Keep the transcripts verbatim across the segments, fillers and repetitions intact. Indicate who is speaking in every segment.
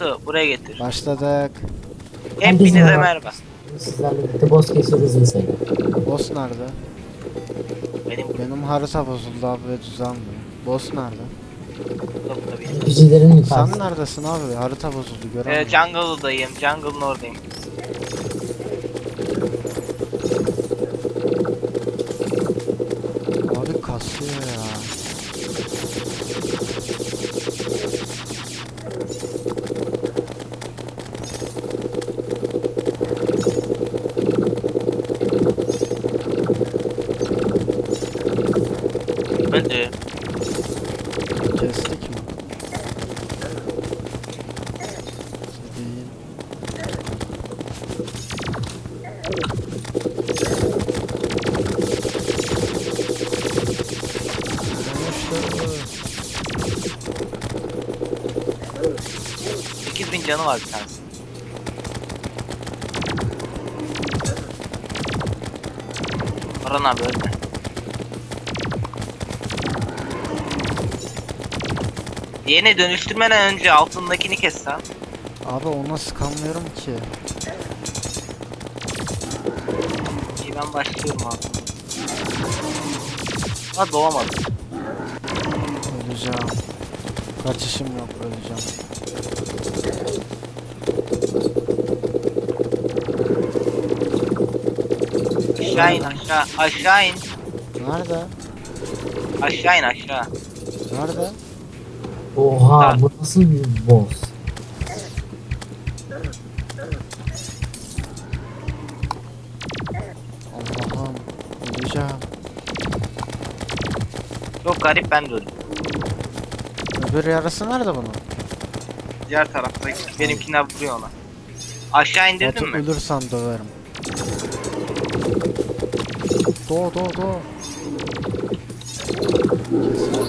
Speaker 1: Batu buraya getir.
Speaker 2: Başladık.
Speaker 1: Hepinize
Speaker 3: merhaba.
Speaker 1: merhaba.
Speaker 3: Sizlerle birlikte boss kesiyoruz insan.
Speaker 2: Boss nerede?
Speaker 1: Benim
Speaker 2: Benim harita bozuldu abi ve düzenmiyor. Boss nerede?
Speaker 1: burada burada benim.
Speaker 3: Gücülerin
Speaker 2: Sen
Speaker 3: yukarısı.
Speaker 2: neredesin abi? Harita bozuldu
Speaker 1: Ee,
Speaker 2: göremiyorum.
Speaker 1: jungle'dayım. Jungle'ın oradayım.
Speaker 2: Abi kasıyor ya.
Speaker 1: Hadi.
Speaker 2: Kestik mi? Değil.
Speaker 1: sekiz bin canı var bir tanesi. Orhan abi ölme. Diğerine dönüştürmeden önce altındakini kes sen.
Speaker 2: Abi ona sıkamıyorum ki.
Speaker 1: İyi ben başlıyorum abi. Ha doğamadım.
Speaker 2: Öleceğim. Kaçışım yok, öleceğim.
Speaker 1: Aşağı in aşağı. Aşağı in.
Speaker 2: Nerede?
Speaker 1: Aşağı in aşağı.
Speaker 2: Nerede?
Speaker 3: Oha bu nasıl bir boss?
Speaker 2: Allah'ım. Öleceğim.
Speaker 1: Çok garip ben de öldüm.
Speaker 2: Öbür yarısı nerede bunun?
Speaker 1: Diğer tarafta benimkinden vuruyor ona. Aşağı
Speaker 2: Batu
Speaker 1: indirdin mi?
Speaker 2: ölürsem döverim. Doğ doğ doğ. Kesemez.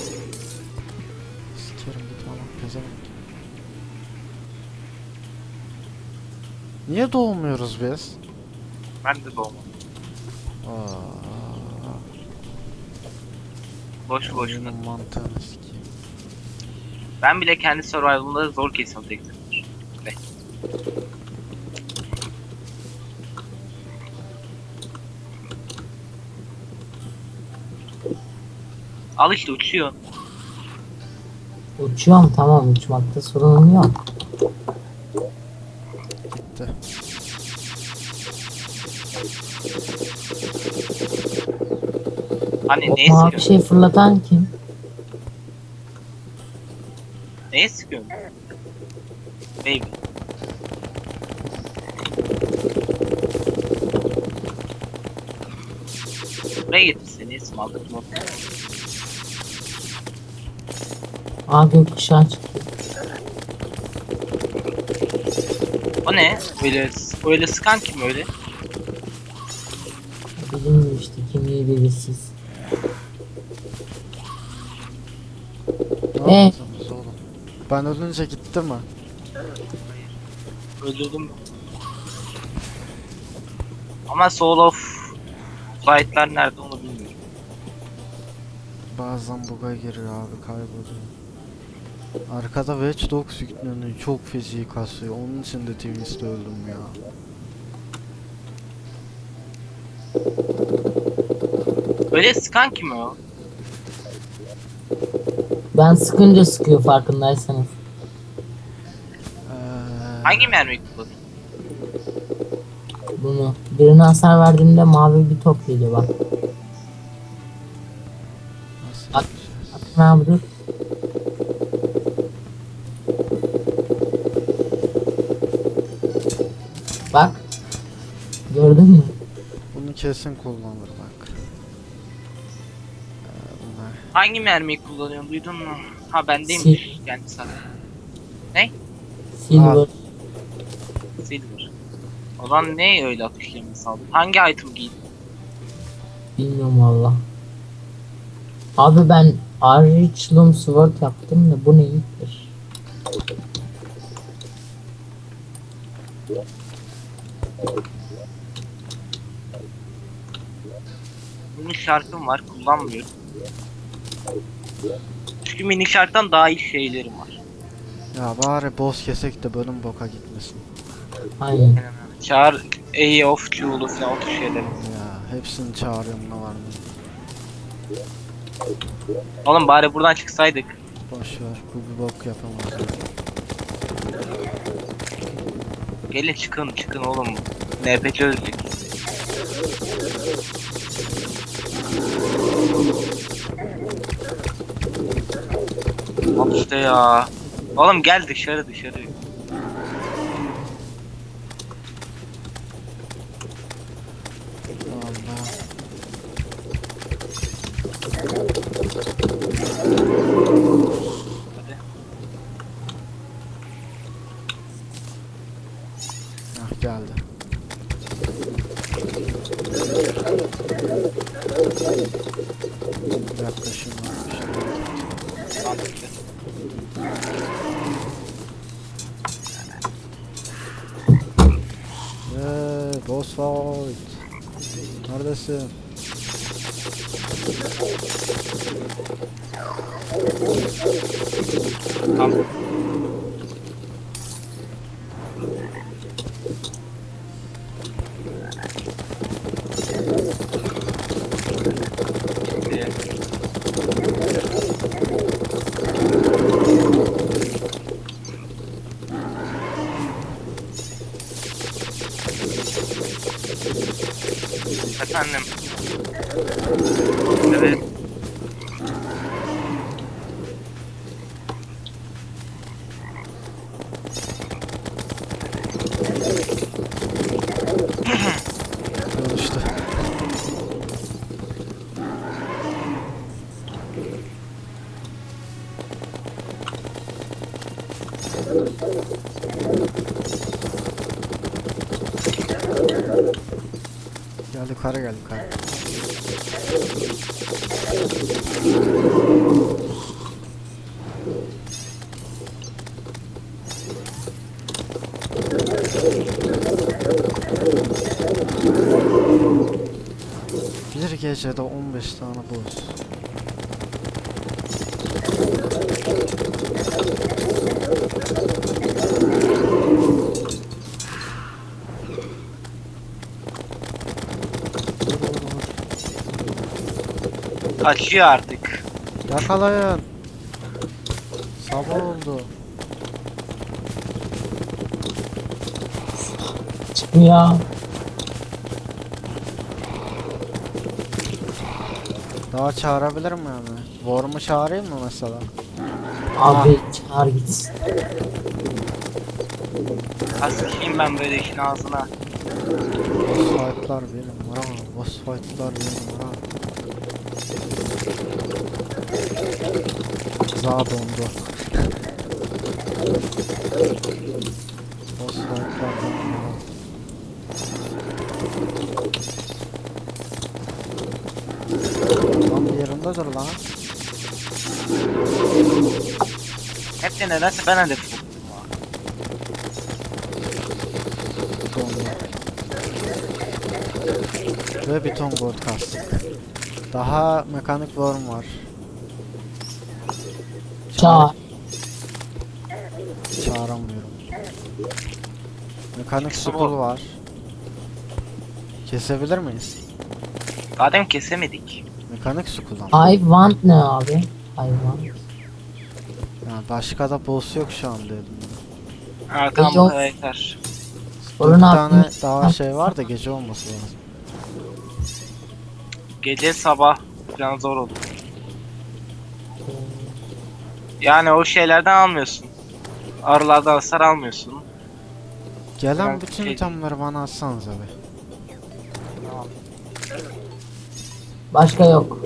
Speaker 2: Sikerim gitme lan pezevenk. Niye doğmuyoruz biz?
Speaker 1: Ben de doğmadım.
Speaker 2: Aa,
Speaker 1: Boş boşuna.
Speaker 2: oyunun mantığını sikeyim.
Speaker 1: Ben bile kendi survival'ımda zor kesiyorum tek tek. Be. Al işte uçuyor.
Speaker 3: Uçuyorum tamam, uçmakta sorunum yok.
Speaker 2: Gitti.
Speaker 1: Hani neye
Speaker 3: Oha bir
Speaker 1: sıkıyorsun?
Speaker 3: şey fırlatan kim?
Speaker 1: Neye sıkıyorsun? Baby. Buraya getir seni isim aldık mı?
Speaker 3: Aa gökkuşağı çıktı.
Speaker 1: O ne? Öyle öyle sıkan kim öyle?
Speaker 3: Bilinmiyor işte, kimliği belirsiz.
Speaker 2: Ne
Speaker 3: Ee?
Speaker 2: yaptınız oğlum? Ben ölünce gitti mi?
Speaker 1: Öldürdüm. Ama Soul of Flight'lar nerede onu bilmiyorum.
Speaker 2: Bazen bug'a giriyor abi, kayboluyor. Arkada Watch Dogs yükleniyor, çok feci kasıyor. Onun için de Twins'te öldüm ya.
Speaker 1: Öyle sıkan kim o?
Speaker 3: Ben sıkınca sıkıyor farkındaysanız.
Speaker 2: Eee,
Speaker 1: Hangi mermi kullanıyor?
Speaker 3: Bunu birine hasar verdiğimde mavi bir top geliyor bak.
Speaker 2: nasıl
Speaker 3: At-
Speaker 2: yapacağız?
Speaker 3: Atın abi dur. Bak. Gördün mü?
Speaker 2: Bunu kesin kullanır bak. Eee, bunlar.
Speaker 1: Hangi mermiyi kullanıyorsun duydun mu? Ha bendeymiş kendi sana.
Speaker 3: Silver.
Speaker 1: Silver. O zaman ne öyle atışlarını saldın? Hangi item giydin?
Speaker 3: Bilmiyorum valla. Abi ben Archilum Sword yaptım da bu neydir?
Speaker 1: Bunun şarkım var kullanmıyorum. Çünkü mini şarktan daha iyi şeylerim var.
Speaker 2: Ya bari boss kesek de bölüm boka gitmesin.
Speaker 3: Aynen.
Speaker 1: Çağır E of Q'lu falan o tür şeyleri.
Speaker 2: Ya hepsini çağırıyorum ne var mı?
Speaker 1: Oğlum bari buradan çıksaydık.
Speaker 2: Boş ver, bu bir bok yapamaz.
Speaker 1: Gelin çıkın çıkın oğlum. N P C öldük. Al işte ya. Oğlum gel dışarı dışarı.
Speaker 2: Allah.
Speaker 1: Hadi.
Speaker 2: Hah geldi. Yaklaşım varmış.
Speaker 1: Mantıklı.
Speaker 2: Eee boss fight. Neredesin?
Speaker 1: Tamam. Şimdi efendim. Evet.
Speaker 2: Al işte. Gel yukarı gel yukarı. Bir gecede on beş tane boss.
Speaker 1: Kaçıyor artık.
Speaker 2: Yakalayın. Sabah oldu.
Speaker 3: Çıkmıyor.
Speaker 2: Daha çağırabilir mi yani? Worm'u çağırayım mı mesela?
Speaker 3: Abi çağır gitsin.
Speaker 1: Asikeyim ben böyle işin ağzına.
Speaker 2: Boss fight'lar bir numara. Boss fight'lar bir numara. Za dondu. Boss fight'lar bir numara. Lan bir yerinde dur lan.
Speaker 1: Hep de nedense ben hedef buldum ya.
Speaker 2: Dondu. Ve bir ton gold kastık. Daha mekanik worm var.
Speaker 3: Çağır.
Speaker 2: Çağıramıyorum. Mekanik
Speaker 1: Çıksın
Speaker 2: skull
Speaker 1: o.
Speaker 2: var. Kesebilir miyiz?
Speaker 1: Madem kesemedik.
Speaker 2: Mekanik skull ama.
Speaker 3: I want ne abi? I want.
Speaker 2: Yani başka da boss yok şu an dedim.
Speaker 1: Ha tamam
Speaker 3: Yok.
Speaker 1: bu kadar yeter.
Speaker 2: Bir
Speaker 3: Sorun
Speaker 2: tane
Speaker 3: abi.
Speaker 2: daha şey var da gece olması lazım.
Speaker 1: Gece sabah falan zor olur. Yani o şeylerden almıyorsun. Arılardan hasar almıyorsun.
Speaker 2: Gelen
Speaker 1: Ben
Speaker 2: bütün
Speaker 1: şey-
Speaker 2: itemleri bana atsanız abi.
Speaker 1: Tamam.
Speaker 3: Başka yok.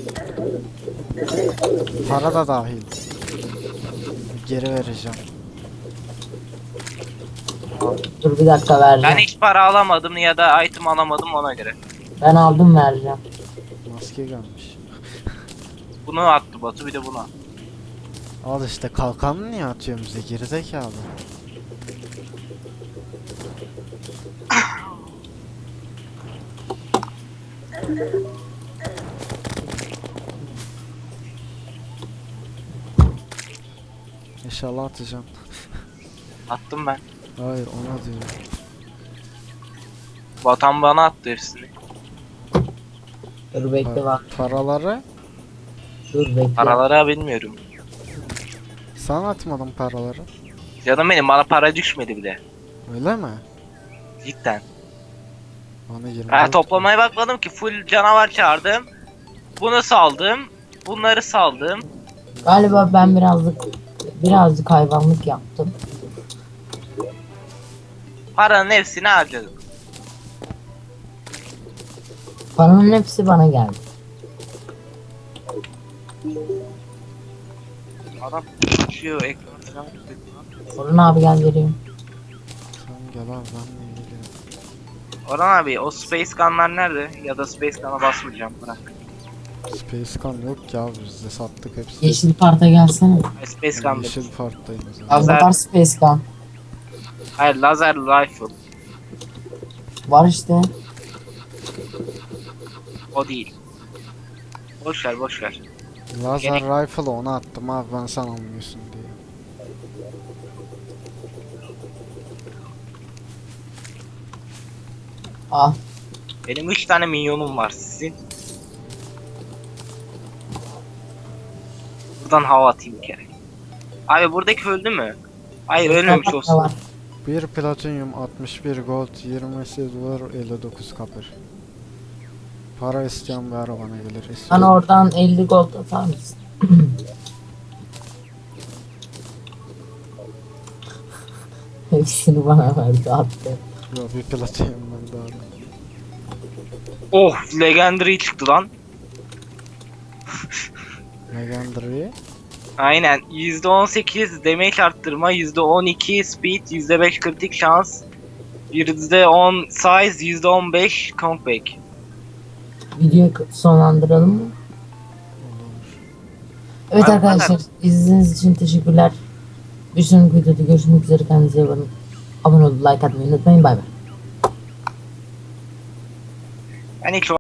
Speaker 2: Para da dahil. Geri vereceğim.
Speaker 3: Dur bir dakika vereceğim.
Speaker 1: Ben hiç para alamadım ya da item alamadım ona göre.
Speaker 3: Ben aldım vereceğim.
Speaker 2: Maske gelmiş.
Speaker 1: Bunu attı Batu bir de buna.
Speaker 2: Al işte kalkanı niye atıyorsun bize gerizekalı. İnşallah atacağım.
Speaker 1: Attım ben.
Speaker 2: Hayır ona diyorum.
Speaker 1: Vatan bana attı hepsini.
Speaker 3: Dur bekle
Speaker 2: Pa-
Speaker 3: bak.
Speaker 2: paraları
Speaker 3: Dur bekle.
Speaker 1: Paraları bilmiyorum.
Speaker 2: sen atmadın paraları.
Speaker 1: Canım benim, bana para düşmedi bile.
Speaker 2: Öyle mi?
Speaker 1: Cidden.
Speaker 2: Bana yirmi
Speaker 1: Ben
Speaker 2: dört
Speaker 1: toplamaya bakmadım ki, full canavar çağırdım. Bunu saldım. Bunları saldım.
Speaker 3: Galiba ben birazcık birazcık hayvanlık yaptım.
Speaker 1: Paranın hepsini harcadım.
Speaker 3: Paranın hepsi bana geldi.
Speaker 1: Adam uçuyor ekranı falan tutuyor.
Speaker 3: Orhan abi gel vereyim.
Speaker 2: sen gel abi ben de geliyorum.
Speaker 1: Orhan abi, o Space Gun'lar nerede? Ya da Space Gun'a basmayacağım, bırak.
Speaker 2: Space Gun yok ya bizde sattık hepsini.
Speaker 3: Yeşil parta gelsene.
Speaker 1: Hayır, Space
Speaker 2: Ben
Speaker 1: Gun
Speaker 2: yeşil
Speaker 1: değil.
Speaker 2: parktayım zaten.
Speaker 3: Abi
Speaker 1: Lazer-
Speaker 3: var Space Gun.
Speaker 1: Hayır, laser rifle.
Speaker 3: Var işte.
Speaker 1: O değil. Boş ver, boş ver.
Speaker 2: Lazer
Speaker 1: Gerek-
Speaker 2: rifle onu attım abi ben sen almıyorsun diye.
Speaker 3: Al.
Speaker 1: Benim üç tane minyonum var, sizin. Buradan hava atayım bir kere. Abi buradaki öldü mü? Hayır, ölmemiş
Speaker 3: Parta
Speaker 1: olsun.
Speaker 3: var.
Speaker 2: bir platinyum, altmış bir gold, yirmi silver, elli dokuz copper. Para isteyen bir arabana gelir.
Speaker 3: Bana
Speaker 2: İstiyorum.
Speaker 3: oradan elli gold atar mısın? Hepsini bana verdi attı.
Speaker 2: Yo bir platinyum ben daha.
Speaker 1: Oh, legendary çıktı lan.
Speaker 2: Legendary.
Speaker 1: Aynen, yüzde on sekiz damage arttırma, yüzde on iki speed, yüzde beş kritik şans, yüzde on size, yüzde on beş comeback.
Speaker 3: Videoyu sonlandıralım mı?
Speaker 2: Olur.
Speaker 3: Evet
Speaker 1: Abi,
Speaker 3: arkadaşlar, izlediğiniz için teşekkürler. Bir sonraki videoda görüşmek üzere, kendinize iyi bakın. Abone olup like atmayı unutmayın, bay bay.
Speaker 1: Ben hiç